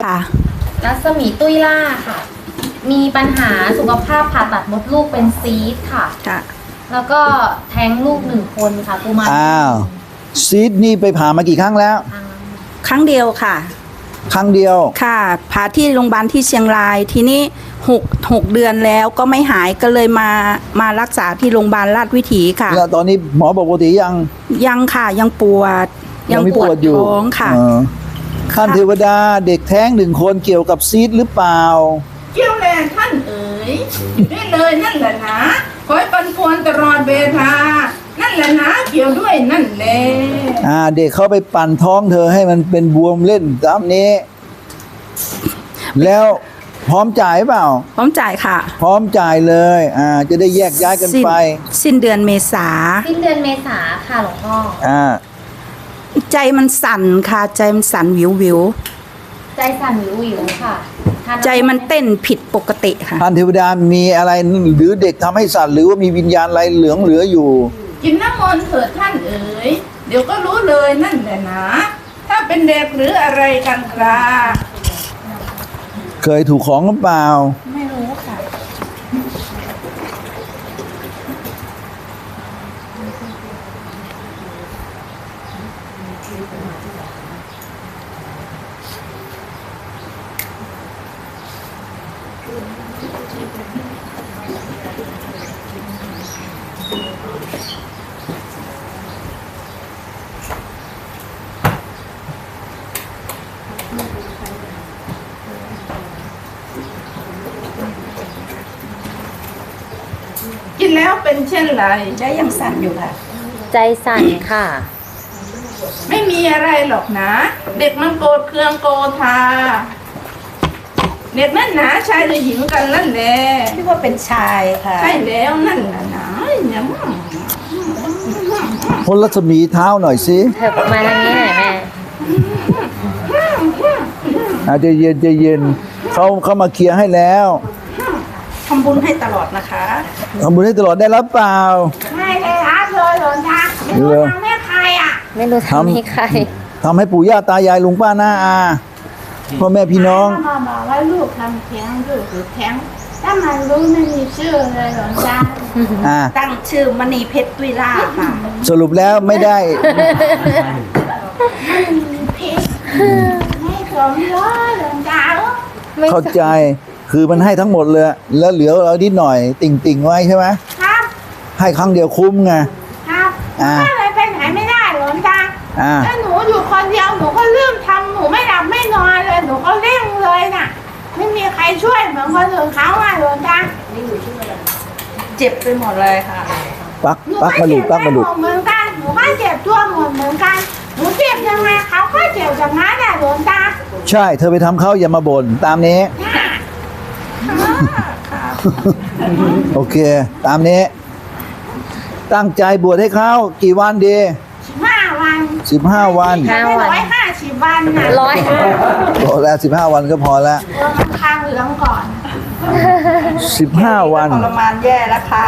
ค่ะรัศมีตุ้ยล่าค่ะ มีปัญหาสุขภาพผ่าตัดมดลูกเป็นซีสต์ค่ะค่ะแล้วก็แท้งลูก1 คนค่ะกุมารอ้าวซีดนี่ไปผ่ามากี่ครั้งแล้วครั้งเดียวค่ะครั้งเดียวค่ะผ่าที่โรงพยาบาลที่เชียงราย ทีนี้6 เดือนแล้วก็ไม่หายก็เลยมารักษาที่โรงพยาบาลราชวิถีค่ะแล้วตอนนี้หมอบอกปกติยังยังค่ะยังปวดไม่ปวดอยู่ท้องค่ะเออท่านเทวดาเด็กแท้ง1 คนเกี่ยวกับซีดหรือเปล่าเกี่ยวแลท่านเอ๋ยได้เลยนั่นแหละนะคอยปันควรตลอดเวลานั่นแหละนะเกี่ยวด้วยนั่นแหละเด็กเขาไปปั่นท้องเธอให้มันเป็นบวมเล่นตามนี้ แล้วพร้อมจ่ายเปล่าพร้อมจ่ายค่ะพร้อมจ่ายเลยจะได้แยกย้ายกันไปสิ้นเดือนเมษาสิ้นเดือนเมษาค่ะหลวงพ่อใจมันสั่นค่ะใจมันสั่นวิววิวใจสั่นวิวค่ะใจมันเต้นผิดปกติค่ะท่านเทวดามีอะไรหรือเด็กทำให้สัตว์หรือว่ามีวิญญาณอะไรเหลืองเหลืออยู่กินน้ำมนต์เถิดท่านเอ๋ยเดี๋ยวก็รู้เลยนั่นแหละนะถ้าเป็นเด็กหรืออะไรกันครับเคยถูกของหรือเปล่าไม่รู้ค่ะกินแล้วเป็นเช่นไรใจยังสั่นอยู่ค่ะใจสั่นค่ะไม่มีอะไรหรอกนะ เด็กมันโกรธเคืองโกธาเด็กนั่นหนาชายหรือหญิงกันนั่นแหละที่ว่าเป็นชายค่ะใช่แล้วนั่นแหละนะเนี่ยพ้นรัศมีเท้าหน่อยสิเธอมาทางนี้หน่อยแม่ใจเย็นใจเย็นเขามาเคลียร์ให้แล้วทำบุญให้ตลอดนะคะทำบุญให้ตลอดได้รับเปล่าไม่ได้รับเลยหลวงตาไม่รู้ทำให้ใครอ่ะไม่รู้ทำให้ใครทำให้ปู่ย่าตายายลุงป้าน้าอาพ่อแม่พี่น้องมาบอกว่าลูกทำแท้งลูกหรือแท้งถ้ามันรู้ไม่มีชื่อเลยหลวงตาตั้งชื่อมณีเพชรตุยล่าค่ะสรุปแล้วไม่ได้ไม่มีพิษไม่สมรสหลวงตาไม่เข้าใจคือมันให้ทั้งหมดเลย แล้วเหลือเรานิดหน่อย ติ่งไว้ใช่ไหมครับให้ครั้งเดียวคุ้มไงครับถ้าอะไรไปไหนไม่ได้หลวงตาอ่าถ้าหนูอยู่คนเดียวหนูก็ลืมทำหนูไม่หลับไม่นอนเลยหนูก็เร่งเลยน่ะ ไม่มีใครช่วยเหมือนคนอื่นเขาอ่ะหลวงตาเจ็บไปหมดเลยค่ะปักหนูปักก็มาหลุเจ็ดบปักไปมาหหมลุดดเหมือนกันหนูก็เจ็บตัวหมดเหมือนกันหนูเจ็บยังไงเขาก็เจ็บอย่างนั้นแหละหลวงตาใช่เธอไปทำเขาอย่ามาบ่นตามนี้ โอเค ตามนี้ ตั้งใจบวชให้เขากี่วันดี 15 วัน 15 วันไม่150 วันน่ะร้อยพอแล้ว15 วันก็พอแล้วตัวมันคางเหลืองก่อน 15 วันทรมานแย่แล้วค่ะ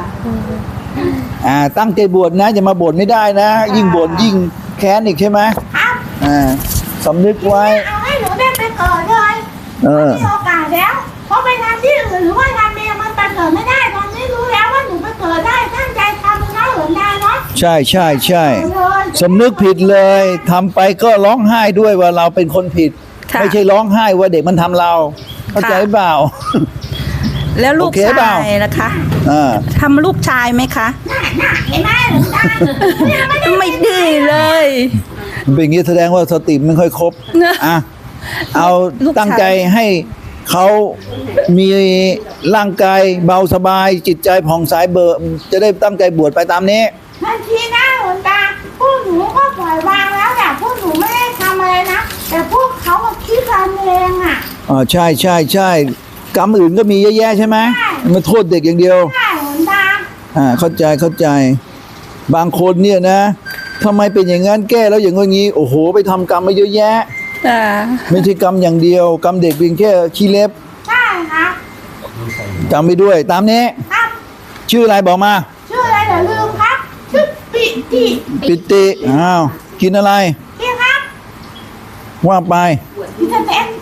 ตั้งใจบวชนะอย่ามาบ่นไม่ได้นะ ยิ่งบ่นยิ่งแค้นอีกใช่ไหมครับสำนึกไว้เอาให้หนูได้ไปเกิดเลย มีโอกาสแล้ว เพราะไปทำที่อื่นหรือว่าทำเองมันไปเกิดไม่ได้ตอนนี้รู้แล้วว่าหนูไปเกิดได้ตั้งใจทำนะหลวงตาเนาะใช่ใช่ใช่เลยสำนึกผิดเลยทำไปก็ร้องไห้ด้วยว่าเราเป็นคนผิดค่ะไม่ใช่ร้องไห้ว่าเด็กมันทำเรา เข้าใจเปล่าแล้วลูกโอเคเปชาล่ายนะคะอ่าทำลูกชายไหมคะเห็นไหมหลวงตาไม่ดีเลยมันเป็นอย่างนี้แสดงว่าสติไม่ค่อยครบนะอ่ะเอาลูกชายตั้งใจให้เขามีร่างกายเบาสบาย จิตใจผ่องใสเบิกจะได้ตั้งใจบวชไปตามนี้ทันทีนะหลวงตาพวกหนูก็ปล่อยวางแล้วแต่พวกหนูไม่ได้ทำอะไรนะ แต่พวกเขามาคิดทำเองอ่ะใช่ใช่ใช่กรรมอื่นก็มีเยอะแยะใช่ไหมใช่มาโทษเด็กอย่างเดียวใช่หลวงตาเข้าใจเข้าใจ บางคนเนี่ยนะทำไมเป็นอย่างนั้นแก้แล้วอย่างงี้โอ้โหไปทำกรรมมาเยอะแยะ ไม่ใช่กรรมอย่างเดียว กรรมเด็กเพียงแค่ขี้เล็บใช่ครับจำไปด้วย ตามนี้ครับชื่ออะไรบอกมาชื่ออะไรเดี๋ยวลืมครับชื่อปิติปิติกินอะไรพี่ครับว่าไปพี่สเต็ก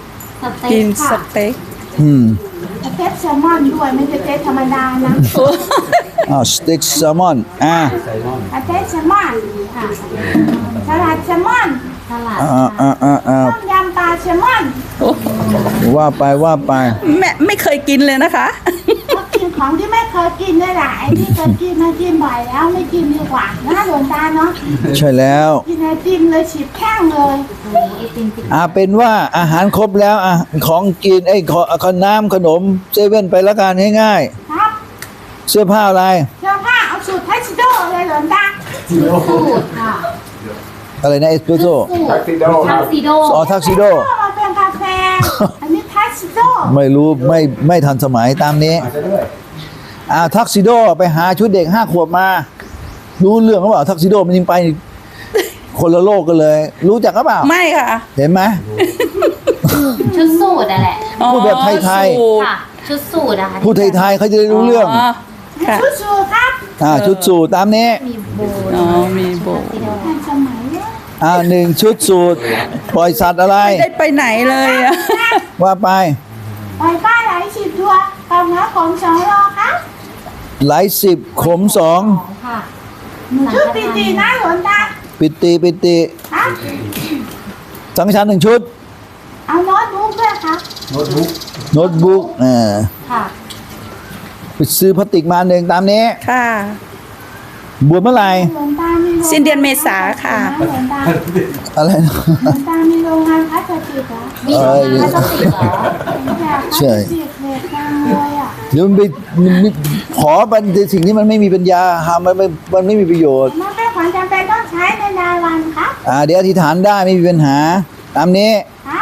เต็กิกนสค่ะเต็กอืมสเต็กแซลมอนด้วยไม่ใช่สเต็กธรรมดานะสเต็กแซลมอนสเต็กแซลมอนค่ะสลัดแซลมอนสลัดต้มยำปลาแซลมอนว่าไปแม่ไม่เคยกินเลยนะคะก็กินของที่ไม่เคยกินนี่แหละไอ้ที่เคยกินมากินบ่อยแล้วไม่กินดีกว่านะหลวงตาเนาะใช่แล้วกินไอติมเลยฉีบแข้งเลยไอติมเป็นว่าอาหารครบแล้วของกินขน้ำขนมเซเว่นไปละกันง่ายครับๆเสื้อผ้าอะไรเสื้อผ้าเอาสูตรไทชิโดเลยหลวงตาสูตรค่ะอะไรนะเอสเปรสโซ่ทักซิโดทักซิโดมาเป็นกาแฟอันนี้ไทชิโดไม่รู้ไม่ทันสมัยตามนี้ทักซิโดไปหาชุดเด็ก5 ขวบมา รู้เรื่องหรือเปล่าทักซิโดมันยิงไปคนละโลกกันเลย รู้จักหรือเปล่าไม่ค่ะเห็นไหมชุดสูตรอะแหละพูดแบบไทยๆสูตรค่ะ ชุดสูตรอะค่ะพูดไทยๆเขาจะได้รู้เรื่องค่ะชุดสูทครับชุดสูทตามนี้มีโบอ๋อมีโบทันสมัยเนี่ย 1 ชุดสูทปล่อยสัตว์อะไรไม่ได้ไปไหนเลยอะว่าไปไปป้าไหล10 ตัวกับเนื้อของ2 โลครับไหล10 ขมค่ะหนูชื่อปีตีนะหลวงตา 2 ปิติครับสังฆทาน1 ชุดเอาโน้ตบุ๊กด้วยครับโน้ตบุ๊กค่ะไปซื้อพลาสติกมา1ตามนี้ค่ะบวชเมื่อไหร่หลวงตามีโรงสิ้นเดือนเมษาค่ะหลวงตาอะไรนะหลวงตามีโรงงานพลาสติกเหรอมีโรงงานพลาสติกเหรออยากพลาสติกเหล็กจังเลยอ่ะเดี๋ยวมันขอบันสิ่งที่มันไม่มีปัญญาทำมันไม่มีประโยชน์มันเป็นของจำเป็นต้องใช้ในรายวันครับเดี๋ยวอธิษฐานได้ไม่มีปัญหา ตามนี้ครับ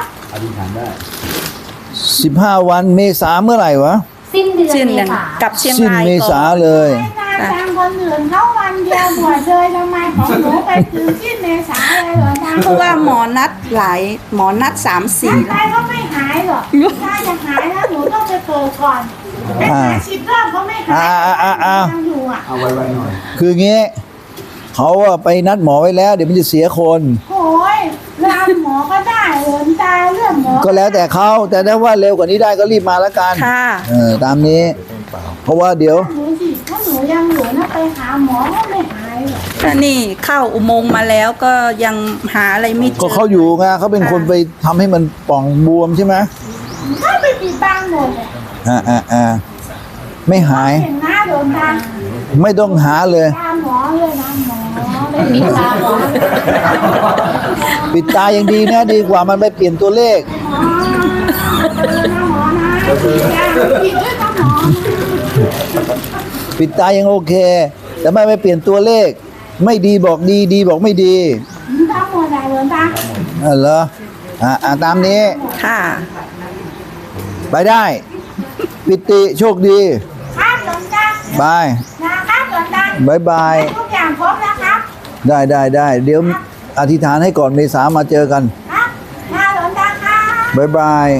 15 วันเมษาเมื่อไหร่วะสิ้นเดือนสิ้นเมเดือนษากับเชียงสิ้นรายเมก่ษาอนเลยให้นานจังคนอื่นเขาวันเดียวบวชเลยทำไมของหนูไปถึงสิ้นเมษาเลยหลวงตาเพราะว่าหมอนัดหมอนัด3-4 ร่างกายก็ไม่หายหรอกถ้าจะหายแล้วหนูต้องไปเกิดก่อนไปหา10 รอบก็ไม่หายยังอยู่อ่ะคืองี้เขาไปนัดหมอไว้แล้ว เดี๋ยวมันจะเสียคนโอ้ยรามหมอก็ได้หลวงตาเรื่องหมอก็แล้วแต่เขาแต่ถ้าว่าเร็วกว่านี้ได้ก็รีบมาแล้วกันค่ะตามนี้ เพราะว่าเดี๋ยวหนูสิถ้าหนูยังอยู่นะไปหาหมอก็ไม่หายหรอกก็นี่เข้าอุโมงค์มาแล้วก็ยังหาอะไรไม่เจก็อเขาอยู่ไงเขาเป็นคนไปทำให้มันป่องบวมใช่ไหมถ้าไปปิดบังหมดเลยไม่หายเห็นหน้าโดนตาไม่ต้องหาเลยตามหมอเลยนะหมอไม่มีตาหมอปิดตายังดีนะดีกว่ามันไปเปลี่ยนตัวเลขหมอนะหมอนะปิดด้วยต้องหมอปิดตายังโอเค แต่ไม่ไปเปลี่ยนตัวเลข ไม่ดีบอกดีดีบอกไม่ดีตามหมดเลยโดนตาเหรอตามนี้ค่ะไปได้ ปิติโชคดีครับโดนตาบายนะครับโดนตาบายบายทุกอย่างครบแล้วครับได้เดี๋ยวอธิษฐานให้ก่อนเมษามาเจอกันครับมาโดนตาครับบายบาย